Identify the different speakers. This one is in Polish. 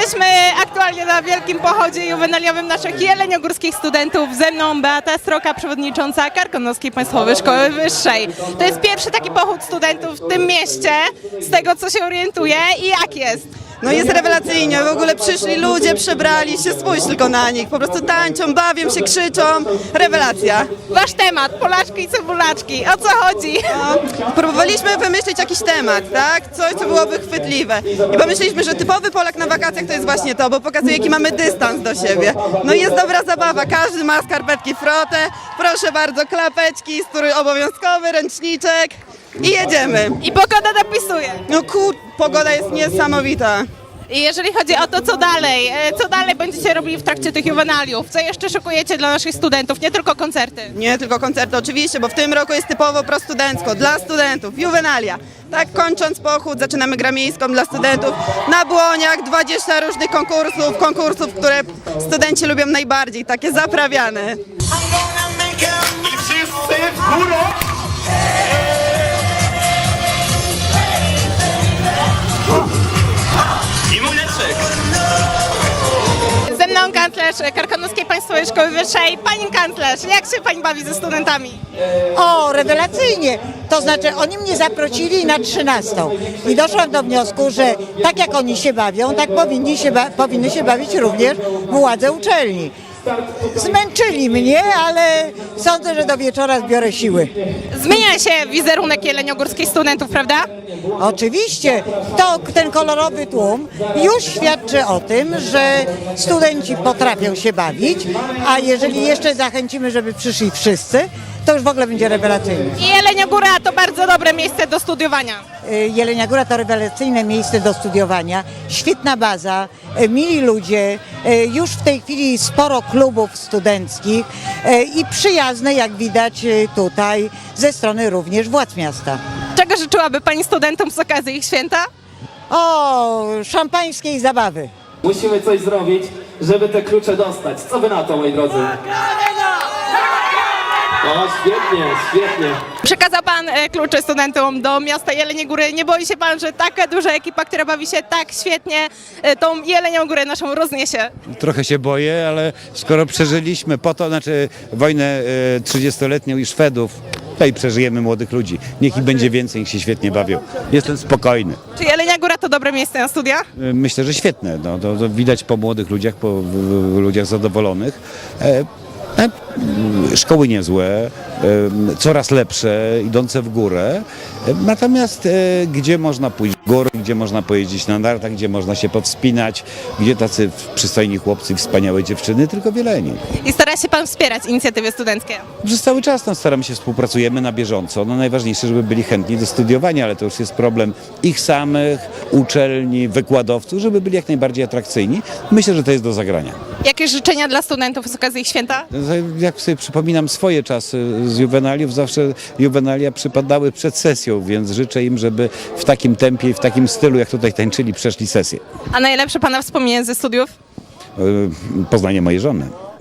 Speaker 1: Jesteśmy aktualnie na wielkim pochodzie juwenaliowym naszych jeleniogórskich studentów. Ze mną Beata Stroka, przewodnicząca Karkonoskiej Państwowej Szkoły Wyższej. To jest pierwszy taki pochód studentów w tym mieście, z tego co się orientuję. I jak jest?
Speaker 2: No jest rewelacyjnie, w ogóle przyszli ludzie, przebrali się, spójrz tylko na nich, po prostu tańczą, bawią się, krzyczą, rewelacja.
Speaker 1: Wasz temat, Polaczki i cebulaczki, o co chodzi?
Speaker 2: No, próbowaliśmy wymyślić jakiś temat, tak, coś co byłoby chwytliwe i pomyśleliśmy, że typowy Polak na wakacjach to jest właśnie to, bo pokazuje jaki mamy dystans do siebie. No i jest dobra zabawa, każdy ma skarpetki frotę, proszę bardzo, klapeczki, strój obowiązkowy, ręczniczek i jedziemy.
Speaker 1: I pogoda dopisuje.
Speaker 2: No pogoda jest niesamowita.
Speaker 1: I jeżeli chodzi o to, co dalej będziecie robili w trakcie tych juwenaliów? Co jeszcze szykujecie dla naszych studentów, nie tylko koncerty?
Speaker 2: Nie tylko koncerty oczywiście, bo w tym roku jest typowo prostudencko, dla studentów, juwenalia. Tak, kończąc pochód, zaczynamy grę miejską dla studentów. Na błoniach 20 różnych konkursów, które studenci lubią najbardziej, takie zaprawiane.
Speaker 3: I wszyscy w górę! I młyneczek!
Speaker 1: Ze mną kanclerz Karkonoskiej Państwowej Szkoły Wyższej. Pani kanclerz, jak się pani bawi ze studentami?
Speaker 4: O, rewelacyjnie! To znaczy oni mnie zaprosili na 13 i doszłam do wniosku, że tak jak oni się bawią, tak powinny się bawić również władze uczelni. Zmęczyli mnie, ale sądzę, że do wieczora zbiorę siły.
Speaker 1: Zmienia się wizerunek jeleniogórskich studentów, prawda?
Speaker 4: Oczywiście, ten kolorowy tłum już świadczy o tym, że studenci potrafią się bawić, a jeżeli jeszcze zachęcimy, żeby przyszli wszyscy, to już w ogóle będzie rewelacyjnie.
Speaker 1: I Jeleniogóra to bardzo dobre miejsce do studiowania.
Speaker 4: Jelenia Góra to rewelacyjne miejsce do studiowania, świetna baza, mili ludzie, już w tej chwili sporo klubów studenckich i przyjazne, jak widać tutaj, ze strony również władz miasta.
Speaker 1: Czego życzyłaby pani studentom z okazji ich święta?
Speaker 4: O, szampańskiej zabawy.
Speaker 5: Musimy coś zrobić, żeby te klucze dostać. Co wy na to, moi drodzy? O, świetnie, świetnie.
Speaker 1: Przekazał pan klucze studentom do miasta Jeleniej Góry. Nie boi się pan, że taka duża ekipa, która bawi się tak świetnie, tą Jelenią Górę naszą rozniesie?
Speaker 6: Trochę się boję, ale skoro przeżyliśmy wojnę 30-letnią i Szwedów, to i przeżyjemy młodych ludzi. Niech ich będzie więcej, niech się świetnie bawią. Jestem spokojny.
Speaker 1: Czy Jelenia Góra to dobre miejsce na studia?
Speaker 6: Myślę, że świetne. No, to widać po młodych ludziach, po ludziach zadowolonych. Szkoły niezłe, coraz lepsze, idące w górę. Natomiast gdzie można pójść w góry, gdzie można pojeździć na nartach, gdzie można się powspinać, gdzie tacy przystojni chłopcy, wspaniałe dziewczyny, tylko w Jeleni.
Speaker 1: I stara się pan wspierać inicjatywy studenckie?
Speaker 6: Przez cały czas staramy się, współpracujemy na bieżąco. No, najważniejsze, żeby byli chętni do studiowania, ale to już jest problem ich samych, uczelni, wykładowców, żeby byli jak najbardziej atrakcyjni. Myślę, że to jest do zagrania.
Speaker 1: Jakieś życzenia dla studentów z okazji ich święta?
Speaker 6: Jak sobie przypominam swoje czasy z juwenaliów, zawsze juwenalia przypadały przed sesją, więc życzę im, żeby w takim tempie i w takim stylu, jak tutaj tańczyli, przeszli sesję.
Speaker 1: A najlepsze pana wspomnienie ze studiów?
Speaker 6: Poznanie mojej żony.